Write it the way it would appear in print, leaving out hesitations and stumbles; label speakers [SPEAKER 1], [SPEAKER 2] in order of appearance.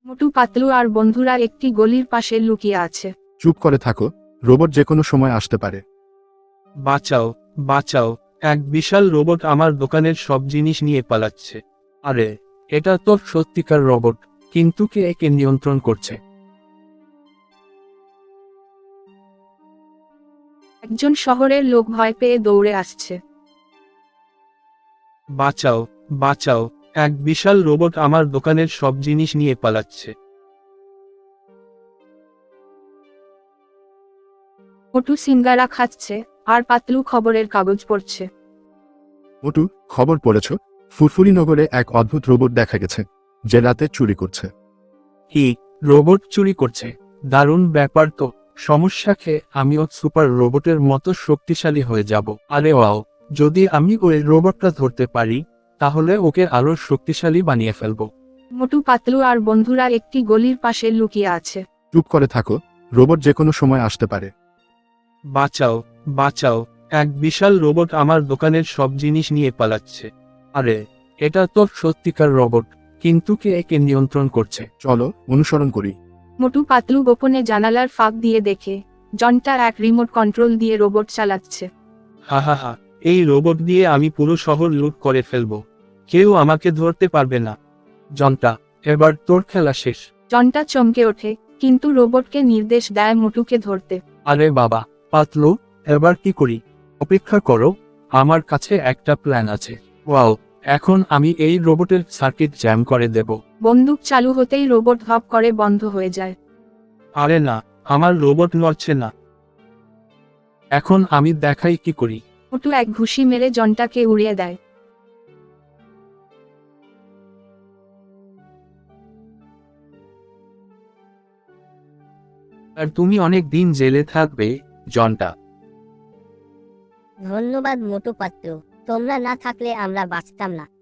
[SPEAKER 1] মোটু পাতলু আর বন্ধুরা একটি গলির পাশে লুকিয়ে আছে।
[SPEAKER 2] চুপ করে থাকো, রোবট যে কোনো সময় আসতে পারে।
[SPEAKER 3] বাঁচাও, বাঁচাও, এক বিশাল রোবট আমার দোকানের সব জিনিস নিয়ে পালাচ্ছে। আরে, এটা তো সত্যিকার রোবট, কিন্তু কে একে নিয়ন্ত্রণ করছে?
[SPEAKER 1] একজন শহরের লোক ভয় পেয়ে দৌড়ে আসছে।
[SPEAKER 3] বাঁচাও, বাঁচাও, এক বিশাল রোবট আমার দোকানের সব জিনিস নিয়ে পালাচ্ছে।
[SPEAKER 1] মোটু সিঙ্গারা খাচ্ছে আর পাতলু খবরের কাগজ পড়ছে।
[SPEAKER 2] মোটু, খবর পড়েছ? ফুরফুরি নগরে এক অদ্ভুত রোবট দেখা গেছে, যে রাতে চুরি করছে।
[SPEAKER 3] কি, রোবট চুরি করছে? দারুণ ব্যাপার তো। সমস্যা খেয়ে আমিও সুপার রোবটের মতো শক্তিশালী হয়ে যাব। আরে ওয়াও, যদি আমি ওই রোবটটা ধরতে পারি, তাহলে ওকে আরো শক্তিশালী বানিয়ে ফেলবো।
[SPEAKER 1] মোটু পাতলু আর বন্ধুরা একটি গলির পাশে লুকিয়ে আছে।
[SPEAKER 2] চুপ করে থাকো, রোবট যে কোনো সময় আসতে পারে।
[SPEAKER 3] বাঁচাও, বাঁচাও, এক বিশাল রোবট আমার দোকানের সব জিনিস নিয়ে পালাচ্ছে। আরে, এটা তো সত্যিকার রোবট, কিন্তু কে একে নিয়ন্ত্রণ করছে?
[SPEAKER 2] চলো অনুসরণ করি।
[SPEAKER 1] মোটু পাতলু গোপনে জানালার ফাঁক দিয়ে দেখে জনটা এক রিমোট কন্ট্রোল দিয়ে রোবট চালাচ্ছে।
[SPEAKER 3] হা হা হা, এই রোবট দিয়ে আমি পুরো শহর লুট করে ফেলবো। কেউ আমাকে ধরতে পারবে না। জনটা, এবার তোর খেলা শেষ।
[SPEAKER 1] জনটা চমকে ওঠে, কিন্তু রোবটকে নির্দেশ দেয় মোটুকে ধরতে।
[SPEAKER 3] আরে বাবা, পাতলু, এবার কি করি? অপেক্ষা করো, আমার কাছে একটা প্ল্যান আছে। ওয়াও, এখন আমি এই রোবটের সার্কিট জ্যাম করে দেব।
[SPEAKER 1] বন্দুক চালু হতেই রোবট ধপ করে বন্ধ হয়ে যায়।
[SPEAKER 3] আরে না, আমার রোবট নড়ছে না। এখন আমি দেখাই কি করি।
[SPEAKER 1] মোটু এক ঘুষি মেরে জনটাকে উড়িয়ে দেয়।
[SPEAKER 3] আর তুমি অনেক দিন জেলে থাকবে, জনটা।
[SPEAKER 4] ধন্যবাদ মোটু পাতলু, তোমরা না থাকলে আমরা বাঁচতাম না।